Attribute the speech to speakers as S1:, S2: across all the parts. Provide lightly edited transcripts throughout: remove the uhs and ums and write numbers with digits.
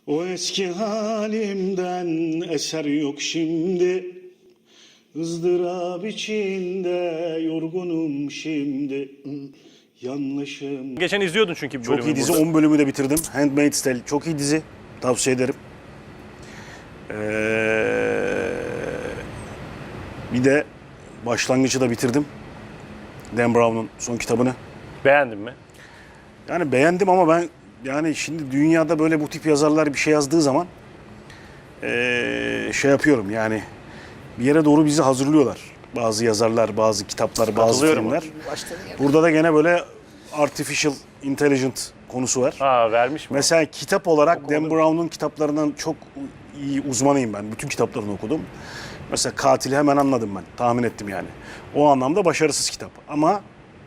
S1: O eski halimden eser yok şimdi. ızdırap içinde yorgunum şimdi. Yanlışım.
S2: Geçen izliyordun çünkü bir
S1: Çok
S2: bölümü
S1: iyi dizi.
S2: burada.
S1: 10 bölümü de bitirdim. Handmaid's Tale çok iyi dizi. Tavsiye ederim. Bir de başlangıcı da bitirdim. Dan Brown'un son kitabını.
S2: Beğendin mi?
S1: Yani beğendim ama ben yani şimdi dünyada böyle bu tip yazarlar bir şey yazdığı zaman şey yapıyorum yani bir yere doğru bizi hazırlıyorlar. Bazı yazarlar, bazı kitaplar, bazı filmler. Burada da gene böyle artificial intelligent konusu var.
S2: Ha, vermiş mi?
S1: Mesela kitap olarak Dan Brown'un kitaplarından çok iyi uzmanıyım ben. Bütün kitaplarını okudum. Mesela Katili hemen anladım ben. Tahmin ettim yani. O anlamda başarısız kitap. Ama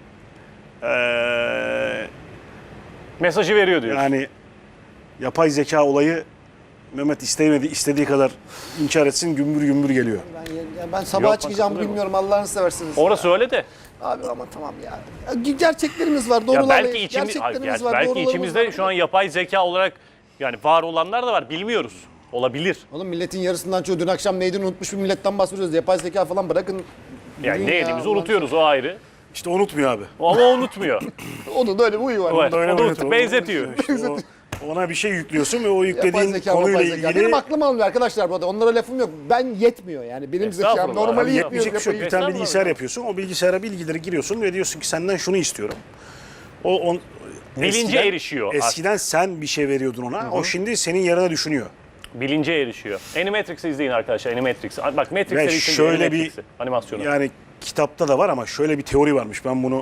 S2: Mesajı veriyor diyorsun.
S1: yani yapay zeka olayı Mehmet istediği kadar inkar etsin gümbür gümbür geliyor.
S3: Ben sabaha
S2: Yok,
S3: çıkacağımı
S2: katılıyorum.
S3: bilmiyorum, Allah'ını seversiniz.
S2: Orası öyle de.
S3: Abi ama tamam ya. Gerçeklerimiz var,
S2: Ya
S3: doğrularla.
S2: belki
S3: Gerçeklerimiz var,
S2: belki
S3: doğrularımız
S2: içimizde
S3: var.
S2: şu an yapay zeka olarak yani var olanlar da var. Bilmiyoruz. Olabilir.
S3: Oğlum milletin yarısından çoğu dün akşam neydi unutmuş bir milletten bahsediyoruz. Yapay zeka falan bırakın.
S2: Yani
S3: Dünya,
S2: ne yediğimizi
S3: Allah
S2: unutuyoruz, o ayrı.
S1: İşte unutmuyor abi.
S2: Ama unutmuyor.
S3: Onun da öyle bir huyu var.
S2: Evet,
S1: Öyle
S2: o da unutuyor. Benzetiyor.
S1: İşte ona bir şey yüklüyorsun ve o
S3: Yapay
S1: yüklediğin
S3: zeka,
S1: konuyla
S3: yapay zeka.
S1: ilgili
S3: Benim aklım almıyor arkadaşlar bu arada. Onlara lafım yok. Ben yetmiyor yani. Benim zekam
S2: Estağfurullah.
S3: normali
S2: Abi
S3: yetmiyor.
S1: yapmayacak bir şey yok. Bir tane bilgisayar yapıyorsun. O bilgisayara bilgileri giriyorsun ve diyorsun ki senden şunu istiyorum.
S2: Bilince erişiyor.
S1: Eskiden sen bir şey veriyordun ona. O şimdi senin yerine düşünüyor.
S2: Bilince erişiyor. Animatrix'i izleyin arkadaşlar. Animatrix. Bak Matrix
S1: Ve
S2: serisinin
S1: şöyle bir
S2: Animatrix'i, animasyonu.
S1: yani kitapta da var ama şöyle bir teori varmış. Ben bunu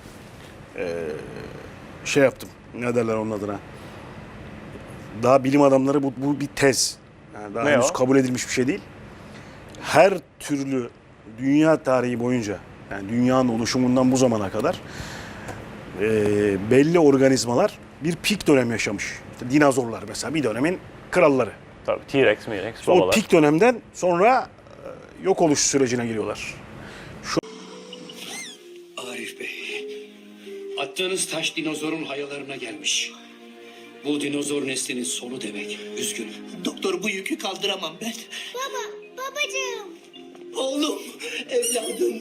S1: şey yaptım. Ne derler onun adına? Daha bilim adamları bu bir tez. Yani daha
S2: Ne
S1: henüz
S2: o?
S1: kabul edilmiş bir şey değil. Her türlü dünya tarihi boyunca yani dünyanın oluşumundan bu zamana kadar belli organizmalar bir pik dönem yaşamış. İşte dinozorlar mesela bir dönemin kralları.
S2: Tabii T-Rex, M-Rex,
S1: O
S2: babalar.
S1: pik dönemden sonra yok oluş sürecine giriyorlar.
S4: Arif Bey, attığınız taş dinozorun hayalarına gelmiş. Bu dinozor neslinin sonu demek. Üzgünüm.
S5: Doktor bu yükü kaldıramam ben.
S6: Babacığım.
S5: Oğlum, evladım.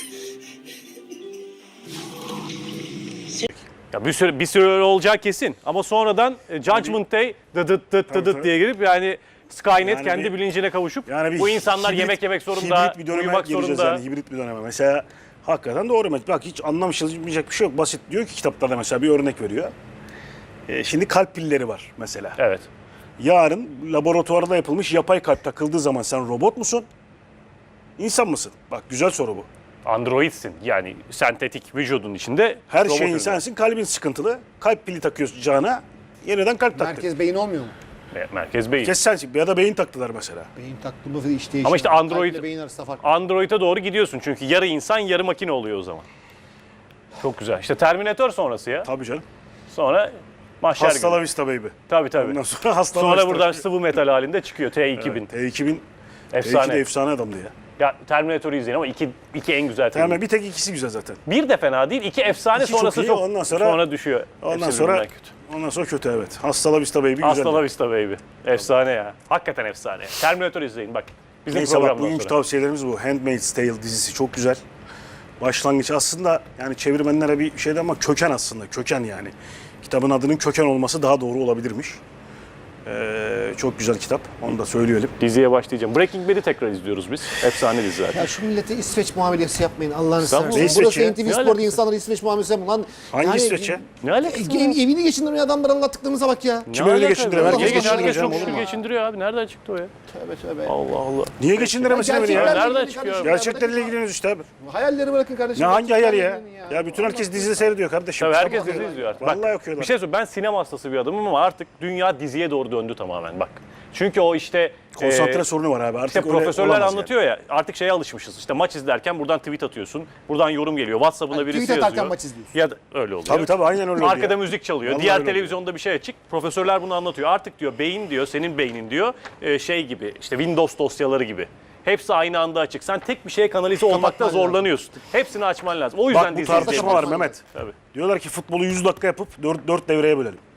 S2: Ya bir süre öyle olacağı kesin. Ama sonradan Judgment Day dıdıt
S1: Tabii.
S2: diye girip yani Skynet
S1: Yani
S2: kendi
S1: bir-
S2: bilincine kavuşup
S1: Yani bir
S2: bu insanlar yemek yemek zorunda,
S1: hibrit bir döneme
S2: uyumak
S1: gireceğiz
S2: zorunda.
S1: yani hibrit bir döneme. Mesela hakikaten doğru. Bak hiç anlamayacak bir şey yok. Basit diyor ki kitaplarda mesela bir örnek veriyor. Şimdi kalp pilleri var mesela.
S2: Evet.
S1: Yarın laboratuvarda yapılmış yapay kalp takıldığı zaman sen robot musun? İnsan mısın? Bak güzel soru bu.
S2: Androidsin. Yani sentetik vücudun içinde
S1: Her
S2: robot
S1: şey
S2: ürünler.
S1: insansın, kalbin sıkıntılı. Kalp pili takıyorsun cana, yeniden kalp taktın.
S3: Merkez beyin olmuyor mu?
S2: Merkez beyin.
S1: Kes sensin. Ya da beyin taktılar mesela.
S3: Beyin taktığımı iş değişiyor.
S2: Ama işte Android-
S3: Kalple beyin arasında fark.
S2: Android'e doğru gidiyorsun çünkü yarı insan yarı makine oluyor o zaman. Çok güzel. İşte Terminator sonrası ya.
S1: Tabii canım.
S2: Sonra mahşer
S1: Hasta la
S2: günü.
S1: vista baby.
S2: Tabii.
S1: Ondan sonra hasta la
S2: Sonra
S1: vista.
S2: buradan sıvı metal halinde çıkıyor T2000.
S1: T2000
S2: Efsane.
S1: T2 de efsane adamdı ya.
S2: Ya Terminator'u izleyin ama iki en güzel film.
S1: Hemen bir tek ikisi güzel zaten.
S2: Bir de fena değil. İki efsane
S1: İki çok
S2: sonrası
S1: iyi,
S2: çok.
S1: ondan sonra-
S2: düşüyor.
S1: Ondan
S2: Hepsi
S1: sonra
S2: birbirinden kötü.
S1: ondan sonra kötü evet. Hasta la vista baby güzel.
S2: Hasta la vista baby. Efsane ya. Hakikaten efsane. Terminator izleyin bak. Bizim
S1: Neyse bak
S2: programdan
S1: bugünkü
S2: sonra.
S1: tavsiyelerimiz bu. Handmaid's Tale dizisi çok güzel. Başlangıç aslında yani çevirmenlere bir şeydi ama köken aslında. Köken yani. Kitabın adının köken olması daha doğru olabilirmiş. Çok güzel kitap. Onu da söyleyelim.
S2: Diziye başlayacağım. Breaking Bad'i tekrar izliyoruz biz. Efsane dizi zaten.
S3: Ya şu millete İsveç muamelesi yapmayın Allah'ını
S2: Estağfurullah.
S3: seversen.
S1: Ne
S3: Burası
S1: İsveç'i?
S3: NTV
S2: Ne
S3: Spor'da
S2: alakası?
S3: insanlara İsveç muamelesi yapın lan.
S1: Hangi İsveç'e?
S2: Ne alakası var?
S3: Evini geçindirmeyen adamları anlattıklarımıza bak ya.
S1: Kim öyle
S2: alakası
S1: geçindiriyor?
S2: var?
S1: Herkes
S2: Herkes
S1: geçindiriyor
S2: çok
S1: canım,
S2: şükür
S1: olur mu?
S2: geçindiriyor abi. Nereden çıktı o ya?
S3: Tövbe tövbe.
S2: Allah Allah.
S1: Niye geçindiremesin beni ya?
S3: Gerçeklerle
S2: Nereden
S3: ilgili
S2: çıkıyor?
S3: kardeşim,
S1: Gerçeklerle ilgileniyoruz işte abi.
S3: Hayalleri bırakın kardeşim.
S1: Ne hangi hayal ya?
S3: Gerçeklerle
S1: Ya bütün herkes dizide seyrediyor kardeşim.
S2: Tabii herkes
S1: Sabah
S2: dizi
S1: ya.
S2: izliyor artık.
S1: Vallahi
S2: Bak,
S1: okuyorlar.
S2: bir şey söyleyeyim. Ben sinema hastası bir adamım ama artık dünya diziye doğru döndü tamamen bak. Çünkü o işte
S1: Konsantre sorunu var abi. Artık
S2: İşte
S1: öyle
S2: profesörler
S1: olamaz
S2: anlatıyor ya artık şeye alışmışız. İşte maç izlerken buradan tweet atıyorsun. Buradan yorum geliyor. WhatsApp'ına
S3: Yani
S2: birisi
S3: tweet atarken
S2: yazıyor.
S3: maç izliyorsun.
S2: Ya da öyle oluyor.
S1: Tabii aynen öyle oluyor.
S2: Arkada müzik çalıyor.
S1: Vallahi
S2: Diğer
S1: öyle oluyor.
S2: televizyonda bir şey açık. Profesörler bunu anlatıyor. Artık diyor beyin diyor senin beynin diyor şey gibi işte Windows dosyaları gibi. Hepsi aynı anda açık. Sen tek bir şeye kanalize olmakta
S3: Kapatman
S2: zorlanıyorsun. Hepsini açman lazım. O yüzden
S1: Bak bu
S2: dizi
S1: tartışma
S2: izleyelim.
S1: var Mehmet.
S2: Tabii.
S1: Diyorlar ki futbolu 100 dakika yapıp 4 devreye bölelim.